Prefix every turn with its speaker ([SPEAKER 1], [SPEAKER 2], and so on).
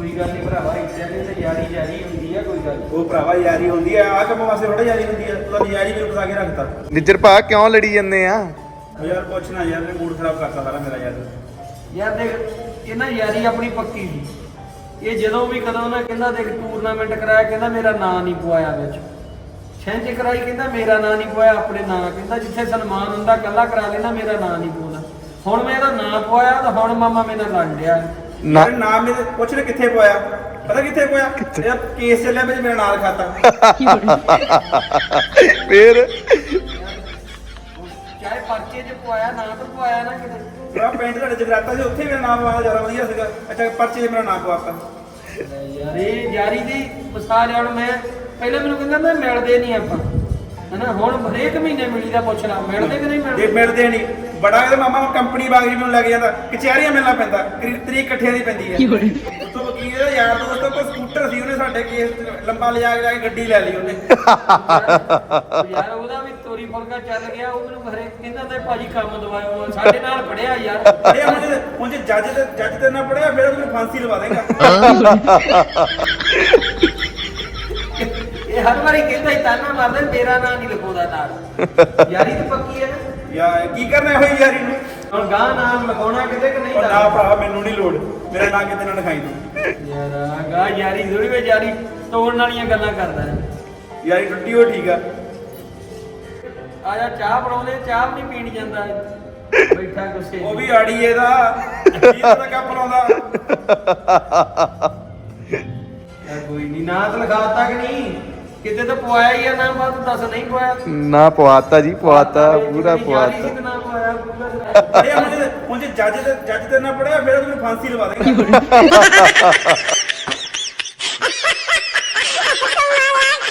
[SPEAKER 1] ਕੋਈ ਗੱਲ ਨਹੀਂ ਭਰਾਵਾ, ਇੱਥੇ ਤੇ ਯਾਰੀ ਜਾਰੀ ਹੁੰਦੀ ਆ, ਕੋਈ ਗੱਲ
[SPEAKER 2] ਉਹ ਭਰਾਵਾ ਯਾਰੀ ਹੁੰਦੀ ਆ, ਆਹ ਕੰਮ ਵਾਸਤੇ ਥੋੜਾ ਯਾਰੀ ਹੁੰਦੀ ਆ। ਤੂੰ ਤਾਂ ਯਾਰੀ ਮੈਨੂੰ ਫਸਾ ਕੇ ਰੱਖਤਾ।
[SPEAKER 3] ਨਿੱਜਰ ਭਾ ਕਿਉਂ ਲੜੀ ਜੰਨੇ ਆ?
[SPEAKER 2] ਉਹ ਯਾਰ ਕੁਛ ਨਾ ਯਾਰ, ਮੂਡ ਖਰਾਬ ਕਰਤਾ ਸਾਰਾ ਮੇਰਾ ਯਾਰ।
[SPEAKER 1] ਯਾਰ ਦੇਖ, ਇਹ ਨਾ ਯਾਰੀ ਆਪਣੀ ਪੱਕੀ ਸੀ। ਇਹ ਜਦੋਂ ਵੀ ਕਦੋਂ ਨਾ ਕਹਿੰਦਾ ਦੇਖ ਟੂਰਨਾਮੈਂਟ ਕਰਾਇਆ, ਕਹਿੰਦਾ ਮੇਰਾ ਨਾਂ ਨਹੀਂ ਪਵਾਇਆ ਵਿੱਚ। ਛਿੰਝ ਕਰਾਈ, ਕਹਿੰਦਾ ਮੇਰਾ ਨਾਂ ਨਹੀਂ ਪਵਾਇਆ, ਆਪਣੇ ਨਾਂ ਕਹਿੰਦਾ ਜਿੱਥੇ ਸਨਮਾਨ ਹੁੰਦਾ ਕੱਲਾ ਕਰਾ ਲੈਣਾ, ਮੇਰਾ ਨਾਂ ਨਹੀਂ ਪਵਾਉਣਾ। ਹੁਣ ਮੈਂ ਇਹਦਾ ਨਾਂ ਪਵਾਇਆ ਤਾਂ ਹੁਣ ਮਾਮਾ ਮੇਰੇ ਨਾਲ ਲੜ ਲਿਆ।
[SPEAKER 2] ਯਾਰ ਨਾਮ ਮੇਰੇ ਪੁੱਛ ਲੈ ਕਿੱਥੇ ਪਵਾਇਆ, ਪਤਾ ਕਿੱਥੇ ਪਵਾਇਆ? ਯਾਰ ਕੇਸ ਚੱਲਿਆ ਵਿੱਚ ਮੇਰਾ ਨਾਂ ਲਿਖਾਤਾ।
[SPEAKER 3] ਫੇਰ
[SPEAKER 1] ਚਾਹੇ ਪਰਚੇ 'ਚ ਪਵਾਇਆ, ਨਾਂ ਤਾਂ ਪਵਾਇਆ ਨਾ ਕਿਤੇ।
[SPEAKER 2] ਭਰਾ ਪਿੰਡ ਤੁਹਾਡੇ ਜਗਰਾਤਾ ਸੀ, ਉੱਥੇ ਮੇਰਾ ਨਾਮ ਪਵਾਉਣਾ ਜ਼ਿਆਦਾ ਵਧੀਆ ਸੀਗਾ। ਅੱਛਾ ਪਰਚੇ 'ਚ ਮੇਰਾ ਨਾਮ ਪਵਾਤਾ।
[SPEAKER 1] ਯਾਰ ਇਹ ਯਾਰੀ ਦੀ ਮਿਸਾਲ ਹੁਣ ਮੈਂ ਪਹਿਲਾਂ ਮੈਨੂੰ ਕਹਿੰਦਾ ਮੈਂ ਮਿਲਦੇ ਨਹੀਂ ਆਪਾਂ, ਹਨਾ? ਹੁਣ ਹਰੇਕ ਮਹੀਨੇ ਮਿਲੀਦਾ, ਪੁੱਛ ਲਾ ਮਿਲਦੇ ਕਿ ਨਹੀਂ
[SPEAKER 2] ਜੇ
[SPEAKER 1] ਮਿਲਦੇ।
[SPEAKER 2] ਮਿਲਦੇ ਨਹੀਂ ਬੜਾ ਇਹਦੇ ਮਾਮਾ ਕੰਪਨੀ ਬਾਗੀ ਮੈਨੂੰ ਲੱਗ ਜਾਂਦਾ, ਕਚਹਿਰੀਆਂ ਮਿਲਣਾ ਪੈਂਦਾ, ਤਰੀਕ ਇਕੱਠਿਆਂ ਦੀ ਪੈਂਦੀ ਹੈ। ਉਤੋਂ ਵਕੀਲ ਦਾ ਯਾਰ ਦੋਸਤ ਕੋਲ ਸਕੂਟਰ ਸੀ, ਉਹਨੇ ਸਾਡੇ ਕੇਸ ਲੰਬਾ ਲਿਜਾ ਕੇ ਗੱਡੀ ਲੈ ਲਈ ਉਹਨੇ।
[SPEAKER 1] ਯਾਰ ਉਹਦਾ ਵੀ ਤੋਰੀ ਫੁਲਕਾ ਚੱਲ ਗਿਆ। ਉਹ ਮੈਨੂੰ ਹਰੇਕ ਕਹਿੰਦਾ ਤੇ ਭਾਜੀ ਕੰਮ ਦਵਾਇਓ, ਸਾਡੇ ਨਾਲ ਪੜਿਆ ਯਾਰ।
[SPEAKER 2] ਅਰੇ ਹੁਣ ਜੇ ਜੱਜ ਤੇ ਨਾ ਪੜਿਆ ਫਿਰ ਉਹਨੂੰ ਫਾਂਸੀ ਲਵਾ ਦੇਗਾ।
[SPEAKER 1] ਇਹ ਹਰ ਵਾਰੀ ਕਹਿੰਦਾ ਹੀ ਤਾਨਾ ਮਾਰਦਾ, ਮੇਰਾ ਨਾਂ ਨਹੀਂ ਲਿਖਾਉਂਦਾ ਨਾਲ। ਯਾਰੀ ਤੇ ਪੱਕੀ ਹੈ ਨਾ।
[SPEAKER 2] ਯਾਰ ਕੀ ਕਰਨਾ ਹੋਈ ਯਾਰੀ ਨੂੰ?
[SPEAKER 1] ਹੁਣ ਗਾਂ ਨਾਮ ਲਗਾਉਣਾ ਕਿਤੇ ਕਿ ਨਹੀਂ?
[SPEAKER 2] ਉਹ ਨਾ ਭਰਾ ਮੈਨੂੰ ਨਹੀਂ ਲੋੜ, ਮੇਰਾ ਨਾਂ ਕਿਤੇ ਨਾ ਲਿਖਾਈ ਤੂੰ।
[SPEAKER 1] ਯਾਰ ਗਾਂ ਯਾਰੀ ਥੋੜੀ ਵੇ ਯਾਰੀ ਤੋੜਨ ਵਾਲੀਆਂ ਗੱਲਾਂ ਕਰਦਾ ਹੈ।
[SPEAKER 2] ਯਾਰੀ ਟੁੱਟੀ ਹੋ ਠੀਕ ਆ।
[SPEAKER 1] ਆ ਜਾ ਚਾਹ ਬਣਾਉਂਦੇ, ਚਾਹ ਵੀ ਨਹੀਂ ਪੀਣ ਜਾਂਦਾ ਬੈਠਾ ਗੁੱਸੇ।
[SPEAKER 2] ਉਹ ਵੀ ਆੜੀ ਇਹਦਾ ਇਹਦਾ ਤਾਂ ਕੱਪ ਲਾਉਂਦਾ।
[SPEAKER 1] ਯਾਰ ਕੋਈ ਨਹੀਂ, ਨਾਂ ਤਾਂ ਲਿਖਾਤਾ ਕਿ ਨਹੀਂ? ਕਿਤੇ ਤਾਂ ਪਵਾਇਆ ਹੀ ਆ ਨਾਮ, ਬਾਤ ਦੱਸ ਨਹੀਂ ਪਵਾਇਆ।
[SPEAKER 3] ਨਾ ਪਵਾਤਾ ਜੀ, ਪਵਾਤਾ ਪੂਰਾ ਪਵਾਤਾ।
[SPEAKER 1] ਨਾਮ ਪਵਾਇਆ ਪੂਰਾ।
[SPEAKER 2] ਅਰੇ ਹੁਣ ਜੇ ਜੱਜ ਤੇ ਨਾ ਪੜਿਆ ਫਿਰ ਉਹਨੂੰ ਫਾਂਸੀ ਲਵਾ ਦੇਗਾ।